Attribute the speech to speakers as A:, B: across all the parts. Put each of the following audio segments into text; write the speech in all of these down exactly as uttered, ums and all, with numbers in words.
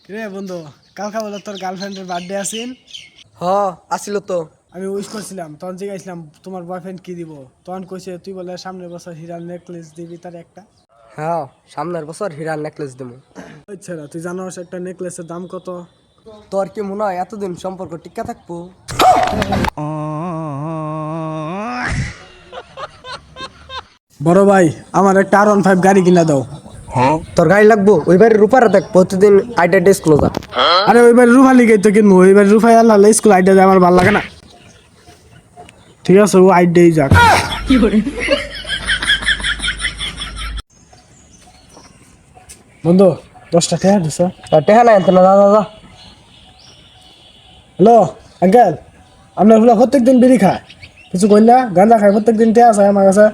A: রে বন্ধু, কালকা বলে তোর গার্লফ্রেন্ডের বার্থডে আসিন।
B: হ আসিল তো।
A: আমি উইশ করছিলাম, তখন জিজ্ঞাসলাম তোমার বয়ফ্রেন্ড কি দিব, তখন কইছে তুই বলে সামনের বছর হীরার নেকলেস দিবি তার একটা।
B: হ্যাঁ সামনের বছর হীরার নেকলেস দেবো।
A: আচ্ছা, তুই জানোস একটা নেকলেসের দাম কত?
B: তোর কি মনে হয় এতদিন সম্পর্ক টিকা থাকবো?
A: বড় ভাই, আমার একটা আর ওয়ান ফাইভ গাড়ি কিনা দাও।
B: তোর গাড়ি লাগবো? ওই বাড়ির রূপারে দেখ প্রতিদিন আইডা ডেস ক্লোজ।
A: আরে ওইবার রুফা লিগে তো কিনবো, ওইবার রুফাই আল্লাহ স্কুল আইডিয়া দেয়, আমার ভালো লাগে না। ঠিক আছে, ও আইডিয়াই যাক। বন্ধু, দশটা টাকা দিছ?
B: টেহা নাই আনতে না, দাদা দাদা।
A: হ্যালো আঙ্কেল, আপনার ফুলা প্রত্যেক দিন বিড়ি খায়, কিছু কই না? গাঁজা খায় প্রত্যেক দিন, টেয়া আছে আমার কাছে।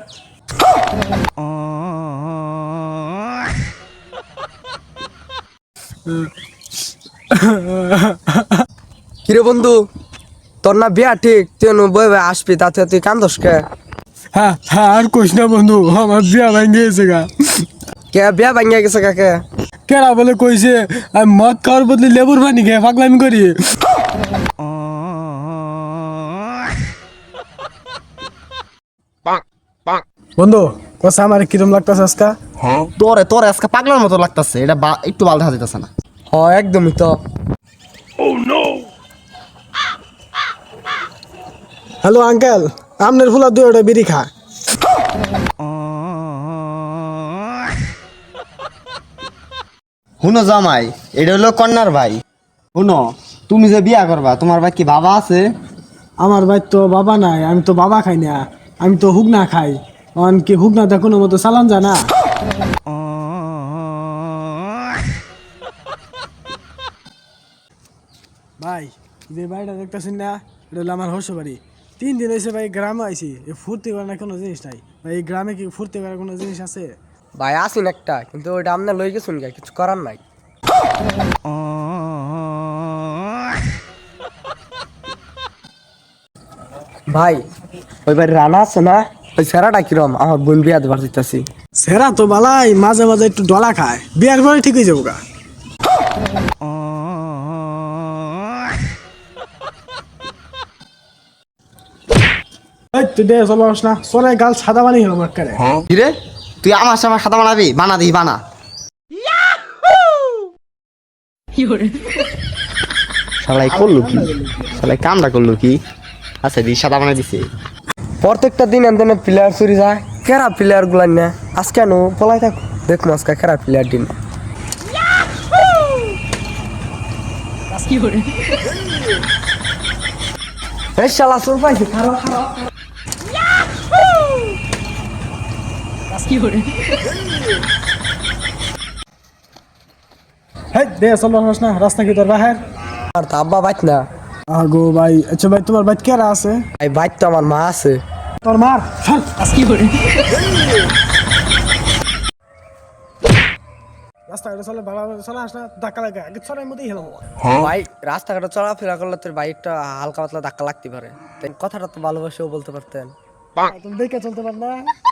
B: কিরে বন্ধু, তোর না বিয়া ঠিক, তুই বই বই আসবি, তাতে তুই কান্দস কে?
A: হ্যাঁ হ্যাঁ, আর কইস না বন্ধু, আমার বিয়া ভাঙ্গে গেছে গা।
B: কে বিয়া ভাঙিয়া গেছে কাকে?
A: কেরা বলে কইছে আমি মদ খাওয়ার বদলে লেবুর পানি খেয়ে পাগলামি করি। বন্ধু কসা আমার কিরম লাগতাছে আজকা?
C: তোরে তোরে আজকে পাগলার মতো লাগতেছে, এটা বা- একটু বাল দেখা যেতেছে না।
B: হ একদমই তো।
A: হ্যালো আঙ্কেল, আপনার ফুলা দুই ওটা বিড়ি খা।
C: শুনো জামাই, এটা হলো কন্যার ভাই। শুনো, তুমি যে বিয়া করবা, তোমার ভাই কি বাবা আছে?
A: আমার ভাই তো বাবা নাই, আমি তো বাবা খাই না, আমি তো হুগনা খাই। অন কি হুগনাতে কোনো মতো চালান যায় না? ভাই, যে বাড়িটা দেখতেছেন না, এটা হলো আমার হর্ষ বাড়ি। তিন দিন এসে ভাই গ্রামে আইছি, এ ফুর্তি করার না কোনো জিনিস নাই ভাই। এই গ্রামে কি ফুর্তি করার কোনো জিনিস আছে?
B: ভাই আসিন একটা, কিন্তু ওইটা আপনার লই গেছুন গে, কিছু করার নাই। ভাই ওই বাড়ি রানা আছে না, ওই সেরাটা কিরম? আমার বোন বিয়া দেবার দিতেছি।
A: সেরা তো বালাই, মাঝে মাঝে একটু ডলা খায়, বিয়ার পরে ঠিক হয়ে যাবো গা। এই তুই দে চলো না, চলে গাল সাদা বানি হলো আমার কারে।
C: কিরে, তুই আমার সামনে সাদা বানাবি? বানা দিই বানা। শালাই করলো কি? শালাই কামটা করলো কি? আচ্ছা দি সাদা বানাই দিছে।
B: প্রত্যেকটা দিন এনে প্লেয়ার চুরি যায়, কেরা প্লেয়ার গুলা না আজ কেন পলাই থাক, দেখুন আজকে কেরা প্লেয়ার দিন। এই শালা চোর পাইছি, খারাপ খারাপ।
A: হেই দে চলো না, রাস্তা কি তোর বাহের?
B: আর তো আব্বা বাইত না।
A: আগো ভাই, আচ্ছা ভাই তোমার বাইক কেরা আছে?
B: এই বাইত তো আমার মা আছে।
A: তোর মার সর। রাস্তাঘাটে চলে ভালো চলে আস না, ধাক্কা লাগে আগে ছড়ার মধ্যেই হেলাম।
B: ভাই রাস্তাঘাটে চলাফেরা করলে তোর বাইকটা হালকা পাতলা ধাক্কা লাগতে পারে, তাই কথাটা তো ভালোবাসেও বলতে পারতেন।
A: তুমি দেখে চলতে পার না?